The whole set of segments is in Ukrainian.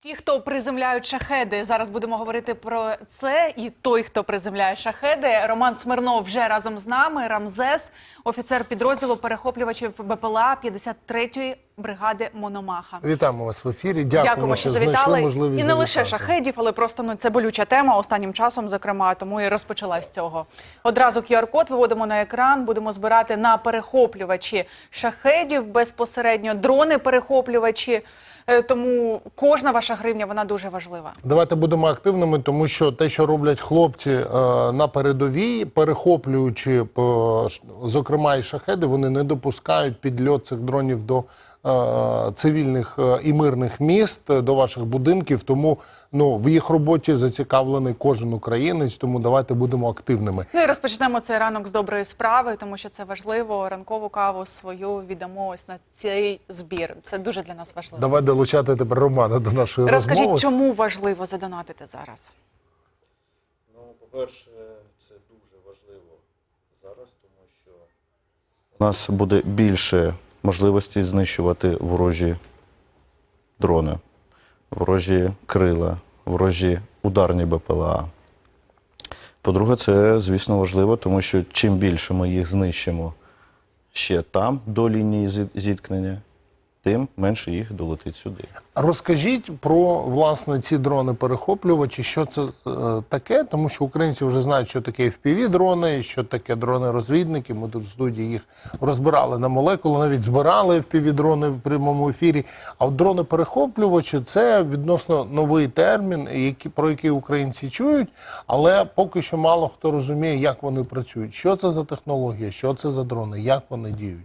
Ті, хто приземляють шахеди, зараз будемо говорити про це. І той, хто приземляє шахеди, Роман Смирнов вже разом з нами. Рамзес, офіцер підрозділу перехоплювачів БПЛА 53-ї бригади Мономаха. Вітаємо вас в ефірі. Дякуємо, що завітали. Можливість і не лише шахедів, але просто це болюча тема останнім часом, зокрема, тому і розпочала з цього. Одразу QR-код виводимо на екран, будемо збирати на перехоплювачі шахедів безпосередньо, дрони-перехоплювачі. Тому кожна ваша гривня, вона дуже важлива. Давайте будемо активними, тому що те, що роблять хлопці на передовій, перехоплюючи, зокрема, і шахеди, вони не допускають підльот цих дронів до цивільних і мирних міст, до ваших будинків. Тому в їх роботі зацікавлений кожен українець, тому давайте будемо активними. Ну і розпочнемо цей ранок з доброї справи, тому що це важливо. Ранкову каву свою віддамо ось на цей збір. Це дуже для нас важливо. Давай долучати тепер Романа до нашої розмови. Розкажіть, чому важливо задонатити зараз? Ну, по-перше, це дуже важливо зараз, тому що у нас буде більше можливості знищувати ворожі дрони, ворожі крила, ворожі ударні БПЛА. По-друге, це, звісно, важливо, тому що чим більше ми їх знищимо ще там, до лінії зіткнення, тим менше їх долетить сюди. Розкажіть про, власне, ці дрони-перехоплювачі, що це таке, тому що українці вже знають, що таке FPV-дрони, що таке дрони-розвідники. Ми тут в студії їх розбирали на молекули, навіть збирали FPV-дрони в прямому ефірі. А от дрони-перехоплювачі – це відносно новий термін, про який українці чують, але поки що мало хто розуміє, як вони працюють. Що це за технологія, що це за дрони, як вони діють?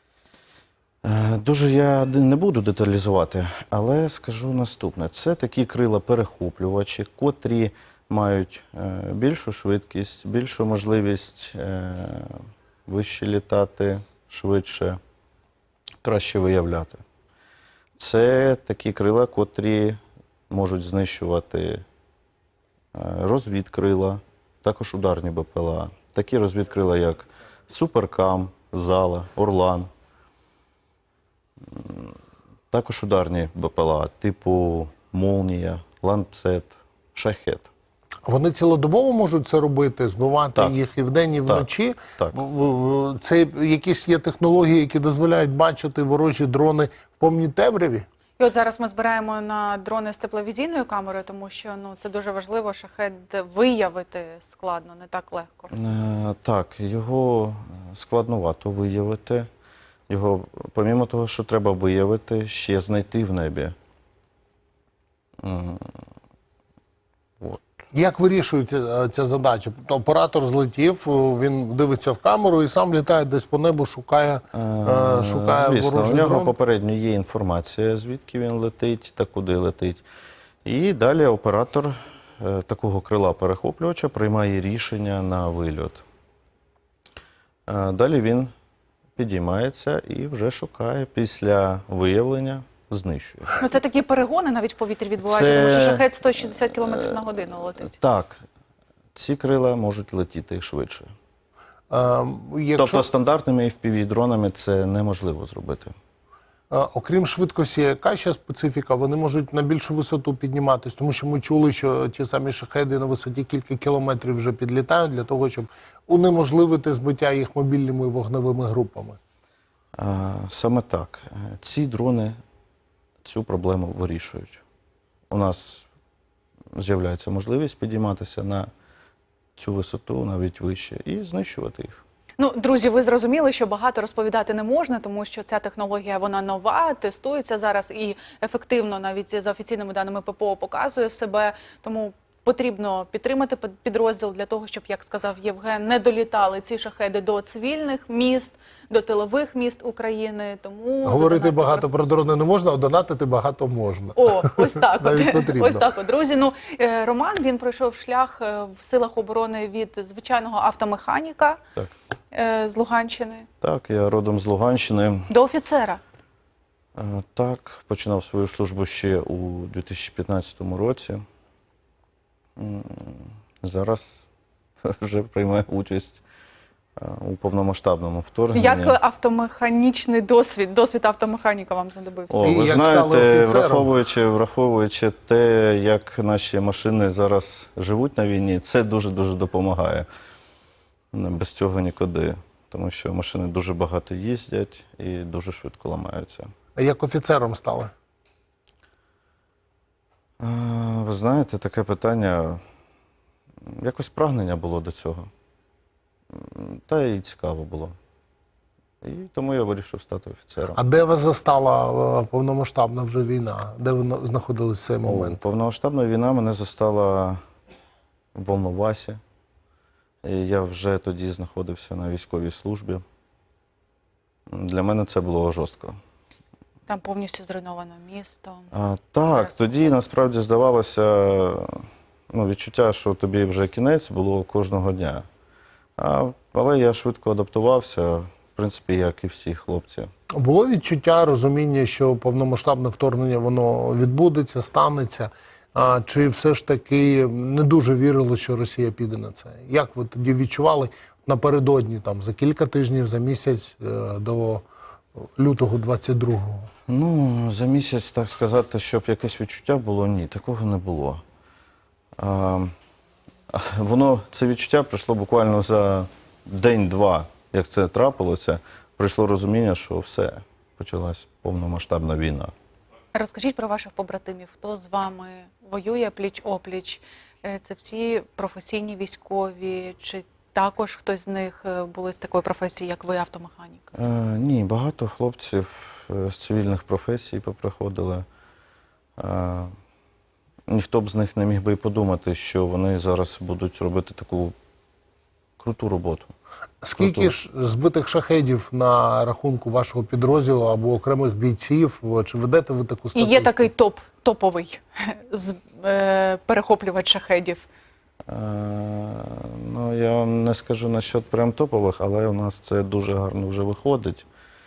Дуже я не буду деталізувати, але скажу наступне. Це такі крила-перехоплювачі, котрі мають більшу швидкість, більшу можливість вище літати, швидше, краще виявляти. Це такі крила, котрі можуть знищувати розвідкрила, також ударні БПЛА. Такі розвідкрила, як Суперкам, Зала, Орлан. Також ударні БПЛА, типу Молнія, Ланцет, Шахед. Вони цілодобово можуть це робити, збивати їх і вдень, і вночі? Так. Це якісь є технології, які дозволяють бачити ворожі дрони в повній темряві? І от зараз ми збираємо на дрони з тепловізійною камерою, тому що це дуже важливо, шахед виявити складно, не так легко. Так, його складновато виявити. Його, помімо того, що треба виявити, ще знайти в небі. От. Як вирішується ця задача? Оператор злетів, він дивиться в камеру і сам літає десь по небу, шукає Звісно, ворожий у нього дрон? попередньо є інформація, звідки він летить та куди летить. І далі оператор такого крила-перехоплювача приймає рішення на вильот. Далі він підіймається і вже шукає, після виявлення знищує. Ну, це такі перегони навіть в повітрі відбуваються, тому що шахед 160 км на годину летить. Так, ці крила можуть летіти швидше. Якщо... Тобто стандартними FPV-дронами це неможливо зробити. Окрім швидкості, яка ще специфіка? Вони можуть на більшу висоту підніматися, тому що ми чули, що ті самі шахеди на висоті кілька кілометрів вже підлітають для того, щоб унеможливити збиття їх мобільними вогневими групами. Саме так. Ці дрони цю проблему вирішують. У нас з'являється можливість підійматися на цю висоту, навіть вище, і знищувати їх. Ну, друзі, ви зрозуміли, що багато розповідати не можна, тому що ця технологія, вона нова, тестується зараз і ефективно, навіть за офіційними даними ППО, показує себе. Тому потрібно підтримати підрозділ для того, щоб, як сказав Євген, не долітали ці шахеди до цивільних міст, до тилових міст України. Тому говорити багато про дрони не можна, а донатити багато можна. О, ось так. Ось так. Друзі, Роман, він пройшов шлях в силах оборони від звичайного автомеханіка з Луганщини. Так, я родом з Луганщини. До офіцера. Так, починав свою службу ще у 2015 році. Зараз вже приймаю участь у повномасштабному вторгненні. Як автомеханічний досвід автомеханіка вам знадобився? О, І ви як стали знаєте, офіцером? враховуючи те, як наші машини зараз живуть на війні, це дуже-дуже допомагає. Без цього нікуди. Тому що машини дуже багато їздять і дуже швидко ламаються. А як офіцером стали? Ви знаєте, таке питання, якось прагнення було до цього. Та й цікаво було. І тому я вирішив стати офіцером. А де вас застала повномасштабна вже війна? Де ви знаходились в цей момент? Повномасштабна війна мене застала в Волновасі. І я вже тоді знаходився на військовій службі. Для мене це було жорстко. Там повністю зруйновано місто. Так, тоді насправді здавалося, відчуття, що тобі вже кінець було кожного дня. Але я швидко адаптувався, в принципі, як і всі хлопці. Було відчуття, розуміння, що повномасштабне вторгнення воно відбудеться, станеться? Чи все ж таки не дуже вірили, що Росія піде на це? Як ви тоді відчували напередодні, там, за кілька тижнів, за місяць до лютого 22-го? За місяць, так сказати, щоб якесь відчуття було, ні, такого не було. Це відчуття прийшло буквально за день-два, як це трапилося, прийшло розуміння, що все, почалась повномасштабна війна. Розкажіть про ваших побратимів. Хто з вами воює пліч-опліч? Це всі професійні військові? Чи також хтось з них були з такої професії, як ви, автомеханік? Ні, багато хлопців з цивільних професій поприходили. Ніхто б з них не міг би і подумати, що вони зараз будуть робити таку круту роботу. Скільки ж збитих шахедів на рахунку вашого підрозділу або окремих бійців? Чи ведете ви таку І статистику? є такий топовий перехоплювач шахедів. Я вам не скажу насчет прям топових, але у нас це дуже гарно вже виходить.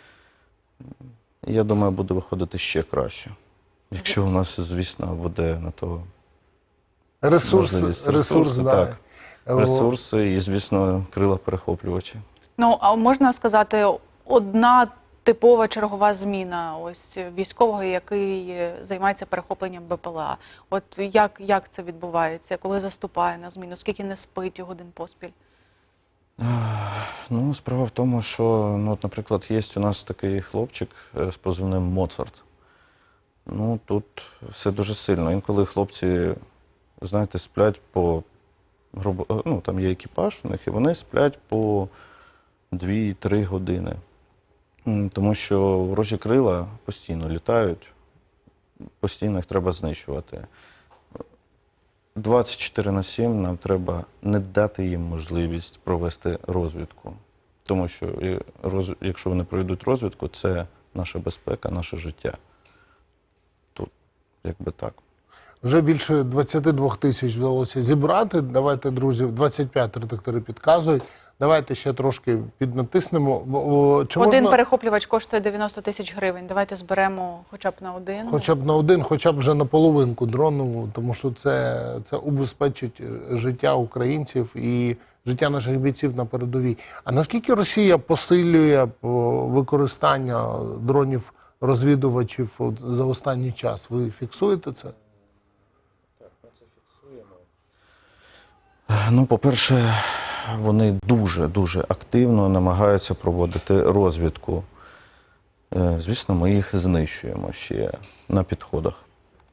Я думаю, буде виходити ще краще. Якщо у нас, звісно, буде на то можливість. Ресурси, да. Так. Ресурси і, звісно, крила перехоплювачі. А можна сказати, одна типова чергова зміна ось військового, який займається перехопленням БПЛА. От як це відбувається, коли заступає на зміну, скільки не спить годин поспіль? Справа в тому, що, наприклад, є у нас такий хлопчик з позивним Моцарт. Тут все дуже сильно. Інколи хлопці, знаєте, сплять там є екіпаж у них, і вони сплять по 2-3 години. Тому що ворожі крила постійно літають, постійно їх треба знищувати. 24/7 нам треба не дати їм можливість провести розвідку. Тому що якщо вони проведуть розвідку, це наша безпека, наше життя. Тут якби так. Вже більше 22 тисяч вдалося зібрати. Давайте, друзі, 25 редактори підказують. Давайте ще трошки піднатиснемо. Один перехоплювач коштує 90 тисяч гривень. Давайте зберемо хоча б на один. Хоча б на один, хоча б вже на половинку дрону, тому що це убезпечить життя українців і життя наших бійців на передовій. А наскільки Росія посилює використання дронів-розвідувачів за останній час? Ви фіксуєте це? Так, ми це фіксуємо. По-перше, вони дуже активно намагаються проводити розвідку. Звісно, ми їх знищуємо ще на підходах.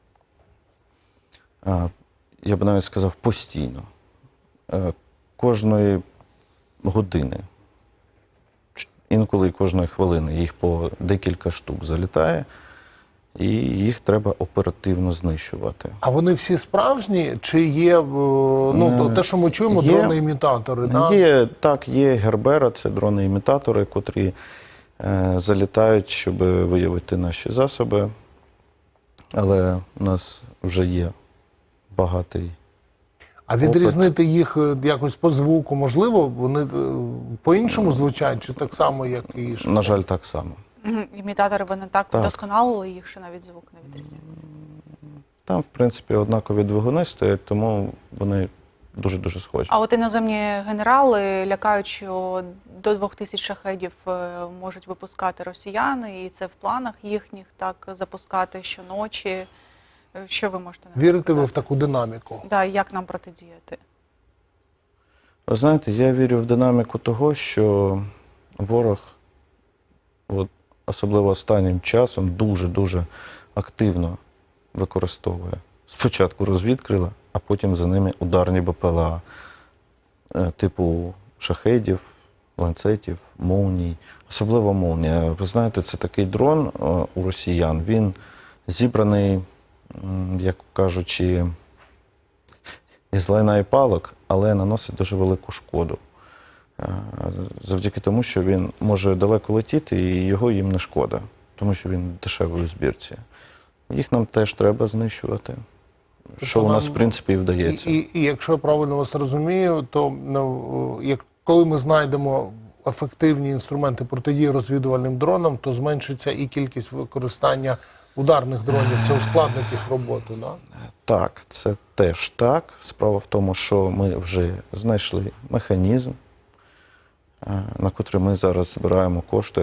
Я б навіть сказав, постійно. Кожної години, інколи кожної хвилини їх по декілька штук залітає, і їх треба оперативно знищувати. А вони всі справжні? Чи є, те, що ми чуємо, дрони-імітатори? Є Гербера, це дрони-імітатори, котрі залітають, щоб виявити наші засоби. Але у нас вже є багатий. А відрізнити їх якось по звуку можливо? Вони по-іншому звучать, чи так само, як і шахеди? На жаль, так само. Імітатори, вони так вдосконалили їх, що навіть звук не відрізняється. Там, в принципі, однакові двигуни стоять, тому вони дуже-дуже схожі. А от іноземні генерали лякають, що до 2000 шахедів можуть випускати росіяни, і це в планах їхніх так запускати щоночі. Що ви можете нам Вірите ви сказати? в таку динаміку? Да, і як нам протидіяти? Ви знаєте, я вірю в динаміку того, що ворог, особливо останнім часом, дуже-дуже активно використовує спочатку розвідкрила, а потім за ними ударні БПЛА типу шахедів, ланцетів, молній. Особливо молнія. Ви знаєте, це такий дрон у росіян. Він зібраний, як кажучи, із лайна і палок, але наносить дуже велику шкоду. Завдяки тому, що він може далеко летіти і його їм не шкода, тому що він дешевий у збірці. Їх нам теж треба знищувати, що у нас, в принципі, і вдається. І якщо я правильно вас розумію, то коли ми знайдемо ефективні інструменти протидії розвідувальним дронам, то зменшиться і кількість використання ударних дронів. Це ускладнить їх роботу, да? Так, це теж так. Справа в тому, що ми вже знайшли механізм, на котрий ми зараз збираємо кошти.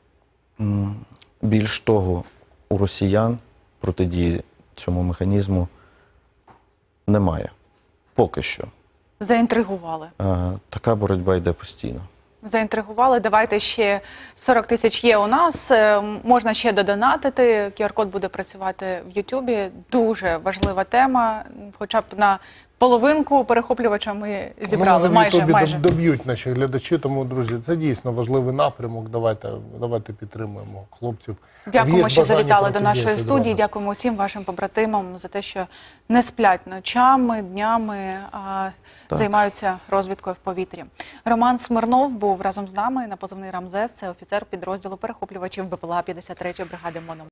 Більш того, у росіян протидії цьому механізму немає. Поки що. Заінтригували. Така боротьба йде постійно. Заінтригували. Давайте ще 40 тисяч є у нас. Можна ще додонатити. QR-код буде працювати в Ютубі. Дуже важлива тема. Хоча б на половинку перехоплювача ми зібрали. Ну, може, в майже, Ютубі майже. доб'ють наші глядачі, тому, друзі, це дійсно важливий напрямок. Давайте підтримуємо хлопців. Дякуємо, Є що бажання завітали до нашої протидіяти студії. дронам. Дякуємо усім вашим побратимам за те, що не сплять ночами, днями, а займаються розвідкою в повітрі. Роман Смирнов був разом з нами на позивний «Рамзес». Це офіцер підрозділу перехоплювачів БПЛА 53-ї бригади МОН.